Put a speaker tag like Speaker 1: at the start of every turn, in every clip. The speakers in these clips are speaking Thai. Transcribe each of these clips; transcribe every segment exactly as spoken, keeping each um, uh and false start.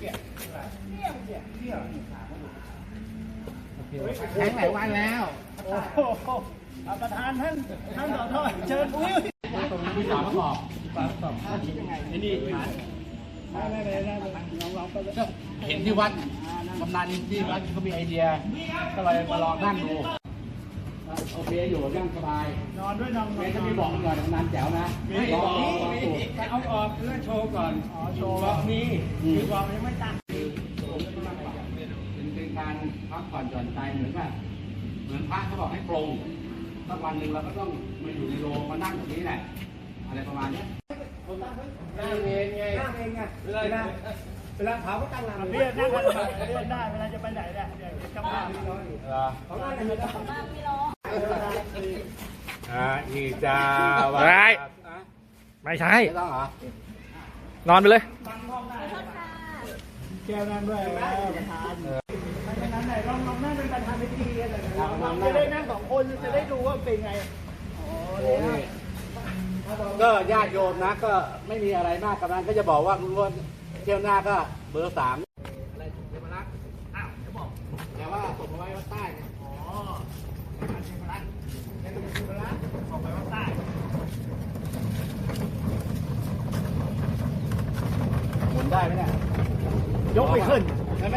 Speaker 1: แข็งหลายวันแล้ว
Speaker 2: โอ้โหประธานท่านท่านสอทอเชิญอุ้ย
Speaker 1: ตรงนี้มีฝาประกอบฝาประกอบคิดยังไงไอ้นี่
Speaker 2: ไม่ไม่ไม่ลองลองไป
Speaker 1: ก็เห็นที่วัดกำนันที่วัดเขามีไอเดียก็เลยมาลองนั่งดูโอเคอยู่นั่งสบาย
Speaker 2: นอนด้วยนอน
Speaker 1: เมย์จะมีบอกก่อนกำนันแจ๋วนะ
Speaker 2: มีบอกนี่เอาออกเพื่อโชว์ก่อนอ๋อโชว์บอกมีมีบอกยังไม่ตั้ง
Speaker 1: เป็นการพักผ่อนหย่อนใจเหมือนแบบเหมือนพระเขาบอกให้ปรงสักวันหนึ่งเราก็ต้องมาอยู่ในโรงมานั่งแบบนี้แหละอะไรประมาณนี้
Speaker 2: นั่งเองไงนั่งเองไงเวลาเวลาเผาก็ตั้งหลังเรียกนั่งกันเรียกได้เวลาจะไปไหนเนี่ยเดี๋ยวจำได้ไม่ร้อนของนั่งไม่ร้อนของนั่งไม่ร้อน
Speaker 1: อ่าอีจ้า
Speaker 3: ไม่ไม่ใช่
Speaker 1: ไม่ต้องเหรอน
Speaker 3: อนไปเลย
Speaker 2: แก้วนั่งด้วยประธานไม่นั้นไหนลองลองนั่งเป็นประธานพิธีกันหน่อยจะได้นั่งสองคนจะได้ดูว่าเป็นไงโอ้ย
Speaker 1: ก็ญาติโยมนะก็ไม่มีอะไรมากกำนันก็จะบอกว่าคุณล้วนเที่ยวหน้าก็เบอร์สามอะไรถูกเทพรักษ์อ้าวจะบอกแต่ว่าส่งมาไว้วัดใต้เนี่ยอ๋อเทพรักษ์เทพรักษ์ส่งไปวัดใต้หมุนได้ไหมเนี่ย
Speaker 2: ยกไม่ขึ้น
Speaker 1: ใช่ไหม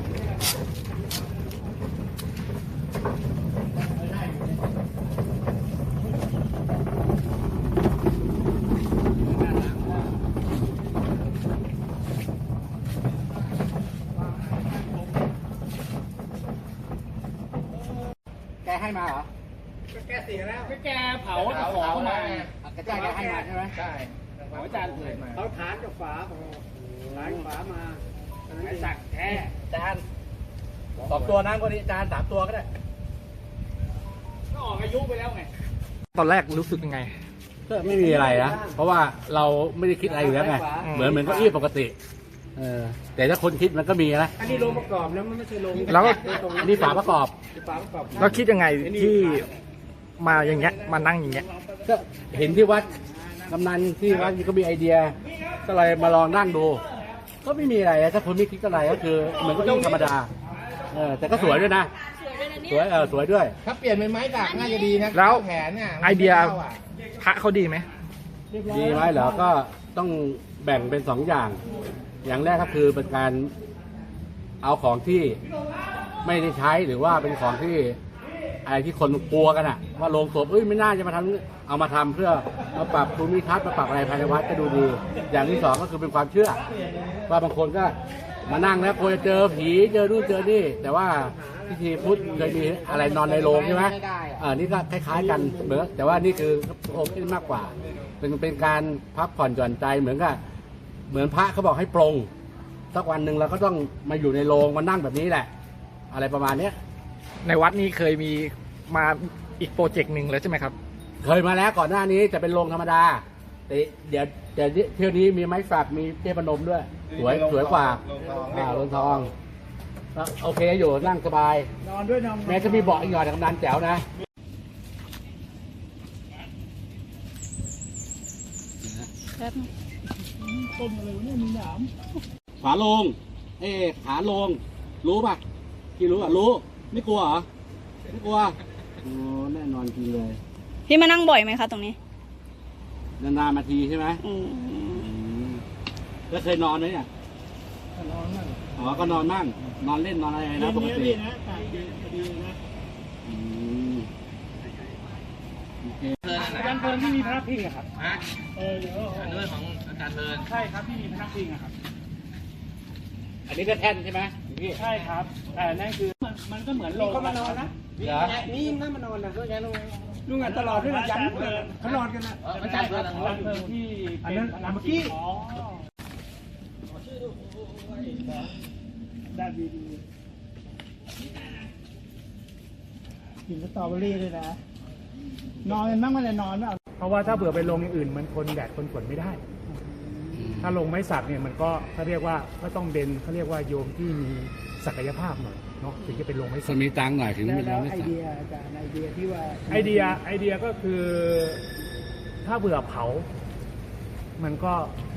Speaker 1: แกให้มาเหรอ
Speaker 2: แกเสียแล้วแกเผาเผามา
Speaker 1: แกแกให้มาใช่ไหม
Speaker 2: ใช่ของอาจารย์เกิดมาเขาฐานกับฝาฐานฝามาไอ้สักแท้
Speaker 1: จานสองตัวนั้นก็ดีจานสามตัวก็ได้
Speaker 2: ก็ออกอายุไปแล้วไง
Speaker 3: ตอนแรกรู้สึกยังไง
Speaker 1: ก็ไม่มีอะไรนะเพราะว่าเราไม่ได้คิดอะไรอยู่แล้วไงเหมือนเหมือนเก้าอี้ปกติเออแต่ถ้าคนคิดมันก็มีนะ
Speaker 2: อันนี้โรงประกอบแล้วมันไม่ใช่โรง
Speaker 3: แล้ว
Speaker 1: อันนี้ฝาประกอบ
Speaker 2: ฝาประกอบ
Speaker 3: แล้วคิดยังไงที่มาอย่างเงี้ยมานั่งอย่างเงี้ย
Speaker 1: ก็เห็นที่วัดกำนันที่วัดก็มีไอเดียก็เลยมาลองนั่งดูก็ไม่มีอะไรถ้าคนไม่คิดอะไรก็คือเหมือนก็ต้องธรรมดาเออแต่ก็สวยด้วยนะสวยเออสวยด้วย
Speaker 2: ถ้าเปลี่ยนเป็นไม้ด่างน่าจะดีนะ
Speaker 3: แล้ว
Speaker 2: แผนเนี่ย
Speaker 3: ไอเดียพระเขาดีไหม
Speaker 1: ดีไหมเหรอก็ต้องแบ่งเป็นสองอย่างอย่างแรกก็คือเป็นการเอาของที่ไม่ได้ใช้หรือว่าเป็นของที่อะไรที่คนกลัวกันอะว่าโรงศพเอ้ยไม่น่าจะมาทำเอามาทำเพื่อมาปรับภูมิทัศน์มาปรับอะไรภายในวัดก็ดูดีอย่างที่สองก็คือเป็นความเชื่อว่าบางคนก็มานั่งแล้วกลัวจะเจอผีเจอนู่นเจอนี่แต่ว่าพิธีพุทธเคยมีอะไรนอนในโรงใช่ไหมเออนี่ก็คล้ายๆกันเหมือนแต่ว่านี่คือโอเคมากกว่าเป็นเป็นการพักผ่อนหย่อนใจเหมือนกับเหมือนพระเขาบอกให้ปรงสักวันหนึ่งเราก็ต้องมาอยู่ในโรงมานั่งแบบนี้แหละอะไรประมาณนี้
Speaker 3: ในวัดนี้เคยมีมาอีกโปรเจกต์หนึ่งแล้วใช่ไหมครับ
Speaker 1: เคยมาแล้วก่อนหน้านี้จะเป็นโรงธรรมดาแต่เดี๋ยวแต่เที่ยวนี้มีไม้ฝักมีเทพนมด้วยสวยสวยกว่าอ่าโรงทองโอเคอยู่นั่งสบาย
Speaker 2: นอนด้วยนอน
Speaker 1: แม้จะมีเบาะอีกหน่อยแต่กำนันแจ๋วนะ
Speaker 2: ต้นอะไรเนี่ยมีหนาม
Speaker 1: ฝาโลงเอ๊ขาโลงรู้ป่ะพี่รู้อ่ะรู้ไม่กลัวเหรอไม่กลัวโอ้แน่นอนจริงเลย
Speaker 4: พี่มานั่งบ่อยไหมคะตรงนี้
Speaker 1: นานๆมาทีใช่ไหมอืมแล้วเคยนอนไหมเนี่ย
Speaker 2: นอนนั่ง
Speaker 1: อ๋อก็นอนนั่งนอนเล่นนอนอะไรนะปกติ
Speaker 2: นะตากดีดีนะ
Speaker 1: อืม
Speaker 2: อาจารย์เพลินที่มีพนักพิงอะครับเออเดี๋ยว
Speaker 1: อันนี้ของอาจารย์เพลิน
Speaker 2: ใช่ครับที่มีพนักพิงอะครับ
Speaker 1: อันนี้ก็แท่นใช่ไหมพี่
Speaker 2: ใช่ครับแต่นั่นคือมันก็เหมือนโรงเขามานอนนะนี่น่ามานอนนะลุงอ่ะตลอดที่เรายันเขานอนกันนะ
Speaker 1: อาจารย์เพลิน
Speaker 2: ที่อันนั้นเมื่อกี้ได้ดีดีกินสตรอเบอรี่ด้วยนะนอนกันบ้างไม่ได้นอนเปล่าเพราะว่าถ้าเผื่อไปลงอย่างอื่นมันทนแดดทนฝนไม่ได้ถ้าลงไม้สักเนี่ยมันก็เขาเรียกว่าก็ต้องเป็นเขาเรียกว่าโยมที่มีศักยภาพหน่อยเนาะถึงจะเป็นลงไม้สัก
Speaker 1: มีตังค์หน่อยถึงจะเป็นลงไม้สัก
Speaker 2: ไอเดียอาจารย์ไอเดียที่ว่าไอเดียไอเดียก็คือถ้าเบื่อเผามันก็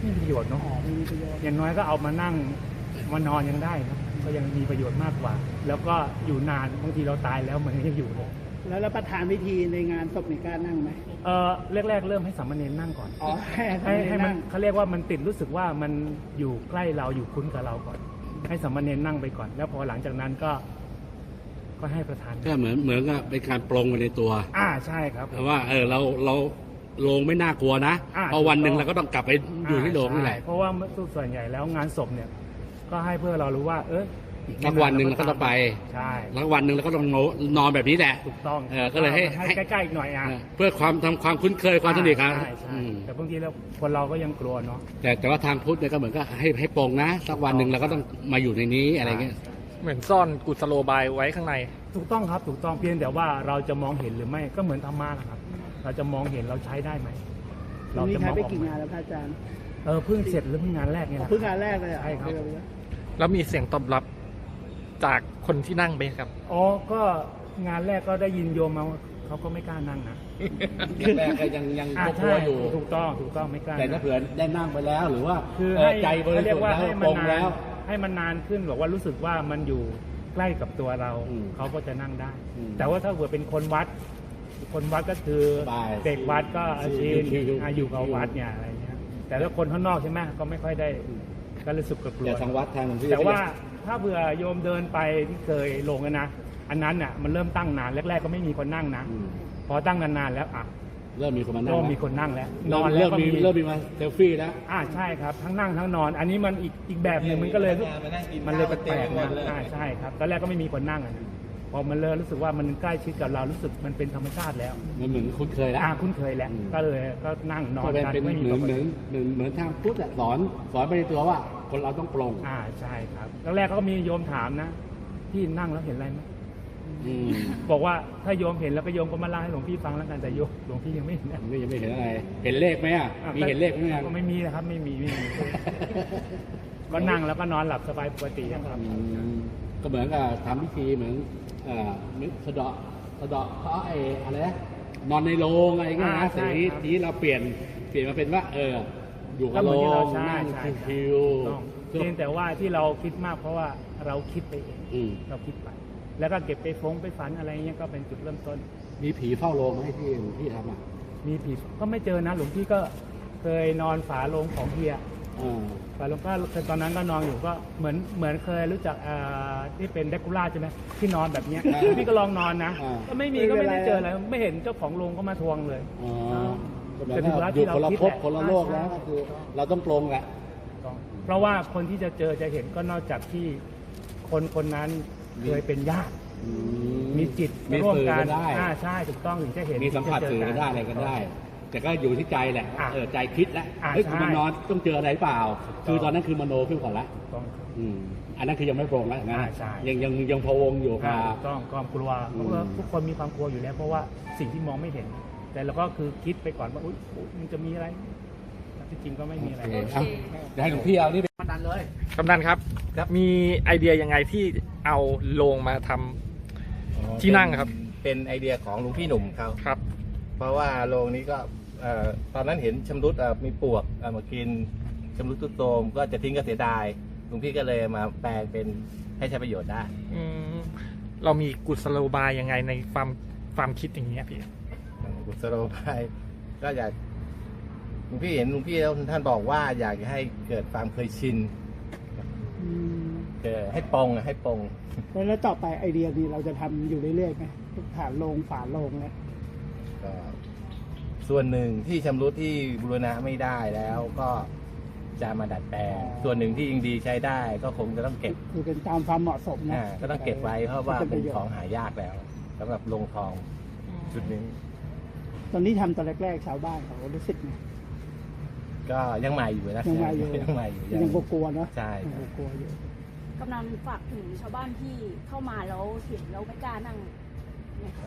Speaker 2: ไม่มีประโยชน์เนาะ
Speaker 5: อ๋อไม่มีประโยชน์
Speaker 2: อย่างน้อยก็เอามานั่งมานอนยังได้ครับก็ยังมีประโยชน์มากกว่า แล้วก็อยู่นานบางทีเราตายแล้วมันก็ยังอยู่เลย
Speaker 5: แล้วแล้วประธานพิธีในงานศพนี่กล้านั่งไหม
Speaker 2: เออแรกๆเริ่มให้สามเณรนั่งก่อน
Speaker 5: อ๋อให้
Speaker 2: ให้ให้มัน
Speaker 5: นั่ง
Speaker 2: เขาเรียกว่ามันติดรู้สึกว่ามันอยู่ใกล้เราอยู่คุ้นกับเราก่อน ให้สามเณรนั่งไปก่อน แล้วพอหลังจากนั้นก็ ก็ให้ประธาน
Speaker 1: ก็เหมือนเหมือนกับเป็นการปรงไปในตัว
Speaker 2: อ่าใช่ครับ
Speaker 1: แต่ว่าเออเราเราโรงไม่น่ากลัวนะ
Speaker 2: อ่า
Speaker 1: เพราะวันหนึ่งเราก็ต้องกลับไปอยู่ที่โรงนี่แหละ
Speaker 2: ใช่เพราะว่าส่วนใหญ่แล้วงานศพเนี่ย ก็ให้เพื่อเรารู้ว่า เอออี
Speaker 1: สักวันหนึ่งเราก็ต้องไป
Speaker 2: ใช่
Speaker 1: แล้ววันหนึ่งเราก็ต้องนอนแบบนี้แหละ
Speaker 2: ถูกต้อง
Speaker 1: เออก็เลยให้
Speaker 2: ให้ใกล้ๆอีกหน่อยอ่ะ
Speaker 1: เออเพื่อความทำความคุ้นเคยความสนิทครับ
Speaker 2: ใช่ใช่
Speaker 1: อืม
Speaker 2: แต่บางทีแล้วคนเราก็ยังกลัวเนาะ
Speaker 1: แต่แต่ว่าทางพุทธเนี่ยก็เหมือนก็ให้ให้ปรงนะ สักวันหนึ่งเราก็ต้องมาอยู่ในนี้อะไรเงี้ย
Speaker 3: เหมือนซ่อนกุศโลบายไว้ข้างใน
Speaker 2: ถูกต้องครับถูกต้องเพียงแต่ว่าเราจะมองเห็นหรือไม่ก็เหมือนธรรมะนะครับ เราจะมองเห็นเราใช้ได้ไหม
Speaker 5: ตรงนี้
Speaker 2: จะ
Speaker 5: ใช้
Speaker 2: มอง
Speaker 5: ไป
Speaker 2: ออก
Speaker 5: กี่
Speaker 2: ไหม
Speaker 5: งานแล้วพระอาจารย์
Speaker 2: เออเพิ่งเสร็จหรือเพิ่งงานแรกเนี่ย
Speaker 5: อ๋อ
Speaker 2: นะ
Speaker 5: เพิ่งงานแรกเลยเหรอ
Speaker 2: ใช่ครับ
Speaker 3: แล้วมีเสียงตอบรับจากคนที่นั่งไปครับ
Speaker 2: อ๋อก็งานแรกก็ได้ยินโยมมาว่าเขาก็ไม่กล้านั่งนะ
Speaker 1: แรกก็ยังยัง
Speaker 2: อ่าก
Speaker 1: ลั
Speaker 2: ใช่
Speaker 1: วอยู่
Speaker 2: ถูกต้องถูกต้องไม่กล้า
Speaker 1: แต่ถ้า
Speaker 2: นะ
Speaker 1: เผื่อได้นั่งไปแล้วหรือว่า
Speaker 2: คือ
Speaker 1: เออ
Speaker 2: ให้
Speaker 1: ใจบริ
Speaker 2: เขาเรี
Speaker 1: สุ
Speaker 2: ย
Speaker 1: ท
Speaker 2: ก
Speaker 1: ธิ์
Speaker 2: ว่า
Speaker 1: แล้ว
Speaker 2: ให้
Speaker 1: ป
Speaker 2: มัน
Speaker 1: รง
Speaker 2: นา
Speaker 1: แล้
Speaker 2: น
Speaker 1: ว
Speaker 2: ให้มันนานขึ้นบอกว่ารู้สึกว่ามันอยู่ใกล้กับตัวเรา
Speaker 1: อืม
Speaker 2: เขาก็จะนั่งได้
Speaker 1: อืม
Speaker 2: แต่ว่าถ้าเกิดเป็นคนวัด คนวัดก็คือ
Speaker 1: สบาย
Speaker 2: เด็กวัดก็อาชีพ
Speaker 1: ชิวๆ
Speaker 2: อ่ะอยู่กับวัดเนี่ยอะไรเงี้ยแต่ถ้าคนข้างนอกใช่ไหมก็ไม่ค่อยได้ก็รู้สึกกลัว
Speaker 1: แต่ทางวัดทางหลวงพี่
Speaker 2: แต่ว่าถ้าเผื่อโยมเดินไปที่เคยลงอะนะอันนั้นน่ะมันเริ่มตั้งนานแรกๆก็ไม่มีคนนั่งนะ
Speaker 1: อืม
Speaker 2: พอตั้งนานๆแล้วอ่ะ
Speaker 1: เริ่มมีคนมานั่ง
Speaker 2: เริ่ม
Speaker 1: แล้ว
Speaker 2: มีคนนั่งแล้วน
Speaker 1: เริ่
Speaker 2: อ
Speaker 1: ม
Speaker 2: นแล้
Speaker 1: เริ่
Speaker 2: ว
Speaker 1: ม
Speaker 2: ก็
Speaker 1: มี
Speaker 2: มี
Speaker 1: เริ่มมีมาเซลฟี่แล้ว
Speaker 2: อ่าใช่ครับทั้งนั่งทั้งนอน อันนี้มันอีกอีกแบบหนึ่งมันก็เลยรู้มันเลยแปลกๆนะอ่าใช่ครับตอนแรกก็ไม่มีคนนั่งอะนะพอมันเริ่มรู้สึกว่ามันใกล้ชิดกับเรารู้สึกมันเป็นธรรมชาติแล้ว
Speaker 1: มันเหมือนคุ้นเคยแล้ว
Speaker 2: อ่าคุ้นเคยแล้ว
Speaker 1: อืม
Speaker 2: ก็เลยก็นั่งนอ
Speaker 1: ก็
Speaker 2: น
Speaker 1: เป็น
Speaker 2: กัน
Speaker 1: เป็น
Speaker 2: ไม่มี
Speaker 1: เหมื
Speaker 2: ป
Speaker 1: อน
Speaker 2: ก
Speaker 1: เหมื
Speaker 2: ติ
Speaker 1: อนเหมือนเหมือนทางพุทธอะสอนสอนไปในตัวว่า คนเราต้องปรง
Speaker 2: อ่าใช่ครับแรกๆก็มีโยมถามนะพี่นั่งแล้วเห็นอะไรไหม
Speaker 1: อืม
Speaker 2: บอกว่าถ้าโยมเห็นแล้วก็โยมก็มาเล่าให้หลวงพี่ฟังแล้วกันแต่โยมหลวงพี่ยังไม่เห็นนะ
Speaker 1: นี่ยังไม่เห็นอะไร เห็นเลขไหมอ่ะ
Speaker 2: อ่ะ
Speaker 1: มีเห็นเลขไหมอ่ะ
Speaker 2: ก็ไม่มีนะครับไม่มีไม่มี ก็นั่งแล้วก็นอนหลับสบายปกติครับ
Speaker 1: อืมก็เหมือนกับทำพิธีเหมือนเอ่อนึกสะเดาะสะเดาะเพราะไอ้อะไรนะนอนในโรงอะไรเงี้ย
Speaker 2: อ่า
Speaker 1: นะ
Speaker 2: ใช่
Speaker 1: แต่นี้
Speaker 2: ครับ
Speaker 1: ทีนี้เราเปลี่ยนเปลี่ยนมาเป็นว่า เออ อยู่กับ
Speaker 2: ก็เห
Speaker 1: โร
Speaker 2: มือนที่เรา
Speaker 1: ง
Speaker 2: ใช่
Speaker 1: นั่ง
Speaker 2: ใช่
Speaker 1: ชิว
Speaker 2: ต้อง
Speaker 1: ๆ
Speaker 2: เพียงแต่ว่าที่เราคิดมากเพราะว่าเราคิดไปเอง
Speaker 1: อืม
Speaker 2: เราคิดไป แล้วก็เก็บไปฟงไปฝันอะไรเงี้ยก็เป็นจุดเริ่มต้น
Speaker 1: มีผีเฝ้าโรงไหมที่ที่ทำอ่ะ
Speaker 2: มีผีก็ไม่เจอนะหลวงพี่ก็เคยนอนฝาโลงของเฮีย
Speaker 1: อ่า
Speaker 2: ฝาโลงก็ตอนนั้นก็นอนอยู่ก็เหมือนเหมือนเคยรู้จักอ่าที่เป็นเดคูล่าใช่ไหมที่นอนแบบเนี้ยพี่ก็ลองนอนนะ ก็ไม่มีก็ไม่ได้เจออะไรไม่เห็นเจ้าของโรงก็มาทวงเลย
Speaker 1: อ๋อก็หมาย
Speaker 2: แต่ถึ
Speaker 1: ถึ
Speaker 2: ง
Speaker 1: ง
Speaker 2: เวลา
Speaker 1: ว่าอ
Speaker 2: ที่
Speaker 1: ยู่คนละ
Speaker 2: เราคิด
Speaker 1: ภพ
Speaker 2: แหละ
Speaker 1: คนละโลกแล้ว
Speaker 2: ใช่
Speaker 1: ก็คือ เราต้องปรงแหละ
Speaker 2: เพราะว่าคนที่จะเจอจะเห็นก็นอกจากที่คนคนนั้นเคยเป็นญาติ
Speaker 1: อื
Speaker 2: มีจิต
Speaker 1: มี
Speaker 2: ร่วม
Speaker 1: สื่อ
Speaker 2: กั
Speaker 1: กัน นได้
Speaker 2: อ่าใช่ถูกต้องถึงจะเห็น
Speaker 1: มีสัมผัส
Speaker 2: ถึ
Speaker 1: สื่
Speaker 2: ง
Speaker 1: อ
Speaker 2: จะเจ
Speaker 1: กันได้อะไรกันได้ แต่ก็อยู่ที่ใจแหละ
Speaker 2: อ่ะ
Speaker 1: เออใจคิดแล้ว
Speaker 2: อ่ะ
Speaker 1: เฮ้ย
Speaker 2: ใช่
Speaker 1: มันนอนต้องเจออะไรหรือเปล่า
Speaker 2: ถูกต้อง
Speaker 1: คือตอนนั้นคือมโนขึ้นก่อนละ
Speaker 2: ถูกต้อง
Speaker 1: อืมอันนั้นคือยังไม่โปร่งแล้วนะ
Speaker 2: อ่าใช่
Speaker 1: ยังยังยังพะวงอยู่
Speaker 2: อ่า
Speaker 1: ค่ะ
Speaker 2: ถูกต้องความกลัว
Speaker 1: อืม
Speaker 2: เพราะว่าทุกคนมีความกลัวอยู่แล้ว เพราะว่าสิ่งที่มองไม่เห็น แต่เราก็คือคิดไปก่อนว่าอุ๊ยอุ๊ยมันจะมีอะไรแต่ที่จริงก็ไม่มีอะไร
Speaker 1: โอเคเอาเดี๋ยวให้หลวงพี่เอานี่เป็นมาดันเลย
Speaker 3: กำนันครับ มีไอเดียยังไงที่เอาโลงมาทำ ที่นั่งครับ
Speaker 6: เป็นไอเดียของหลวงพี่หนุ่มเขา
Speaker 3: ครับ
Speaker 6: เพราะว่าโรงนี้ก็เอ่อตอนนั้นเห็นชำรุดเอ่อมีปลวกเอามากินชำรุดทุดโทรมก็จะทิ้งก็เสียดายหลวงพี่ก็เลยมาแปลงเป็นให้ใช้ประโยชน์ได้
Speaker 3: อืมเรามีกุศโลบายยังไงในความความคิดอย่างเงี้ยพี่
Speaker 6: กุศโลบายก็อยากหลวงพี่เห็นหลวงพี่แล้วท่านบอกว่าอยากให้เกิดความเคยชิน
Speaker 5: อืม
Speaker 6: เกิดให้ปรงอะให้ปรง
Speaker 5: แล้วแล้วต่อไปไอเดียนี้เราจะทำอยู่เรื่อยๆไหมฐานโรงฝาโรงเนี่ย
Speaker 6: ก็ส่วนหนึ่งที่ชำรุดที่บูรณะไม่ได้แล้วก็จะมาดัดแปลงส่วนหนึ่งที่ยังดีใช้ได้ก็คงจะต้องเก็บ
Speaker 5: คือเป็นตามความเหมาะสมนะ
Speaker 6: อ่าก็ต้องเก็บไว้เพราะว่า
Speaker 5: ป็
Speaker 6: เป็น
Speaker 5: ปะโยช
Speaker 6: ของ
Speaker 5: น์
Speaker 6: หายากแล้วสำหรับโรงทองชุดนี้
Speaker 5: ตอนนี้ทำตอนแรกๆชาวบ้านเขารู้สึกไง
Speaker 6: ก็ยังใหม่อยู่นะ
Speaker 5: ยังใหม่อยู่
Speaker 6: ยังใหม่อยู่
Speaker 5: ยังกลัวๆเนาะ
Speaker 6: ใช่
Speaker 5: ยังกลัวๆอยู่
Speaker 4: กำนันฝากถึงชาวบ้านที่เข้ามาแล้วเห็นแล้วไม่กล้านั่งไหมคะ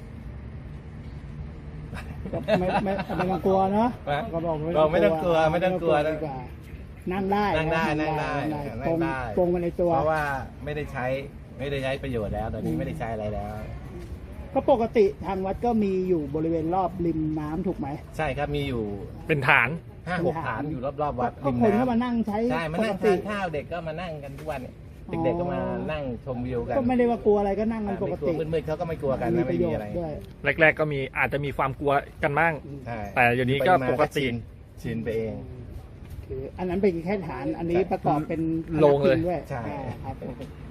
Speaker 5: ก็ไม่ไม่ไม่ต้องกลัวเนาะก็บอก
Speaker 6: เราไม่ต้องกลัวไม่ต้องกลัว
Speaker 5: ดี
Speaker 6: นะ
Speaker 5: กว่านั่งได้
Speaker 6: นั่งได้นั่งได้
Speaker 5: นั่
Speaker 6: นั่
Speaker 5: ง
Speaker 6: ง
Speaker 5: ได้
Speaker 6: ได้
Speaker 5: ปรงมาในตัว
Speaker 6: เพราะว่าไม่ได้ใช้ไม่ได้ใช้ประโยชน์แล้วตอนนี้ไม่ได้ใช้อะไรแล้ว
Speaker 5: ก็ปกติทางวัดก็มีอยู่บริเวณรอบริมน้ำถูกไหม
Speaker 6: ใช่ครับมีอยู่
Speaker 3: เป็นฐาน
Speaker 6: ห้าหกฐานอยู่รอบๆวัด
Speaker 5: ก็คนเข้ามานั่งใช้
Speaker 6: ใช่มา
Speaker 5: ป
Speaker 6: นั่
Speaker 5: ก
Speaker 6: ง
Speaker 5: ติ
Speaker 6: ทานข้าวเด็กก็มานั่งกันทุกวันเนี่ย
Speaker 5: อ๋อ
Speaker 6: เด็กๆก็มานั่งชมวิวกัน
Speaker 5: ก็ไม่ได้ว่ากลัวอะไรก็นั่งกันปกติ
Speaker 6: ไม่ลัวมืดๆเขาก็ไม่กลัวกัน
Speaker 5: มี
Speaker 6: นะ
Speaker 5: ป
Speaker 6: ไม่
Speaker 5: ระโย
Speaker 6: มี
Speaker 5: ช
Speaker 6: อะไร
Speaker 5: น์ด้วย
Speaker 3: แรก ๆ ก็มีอาจจะมีความกลัวกันบ้าง
Speaker 6: ใช่
Speaker 3: แต่เดี๋ยวนี้ก็
Speaker 6: มา
Speaker 3: ปกติ
Speaker 6: ชินชินไปเอง
Speaker 5: คืออันนั้นเป็นแค่ฐานอันนี้ประกอบเป็น
Speaker 3: โรงเลย
Speaker 5: ด้วย
Speaker 6: ใช่
Speaker 5: อ่าครับ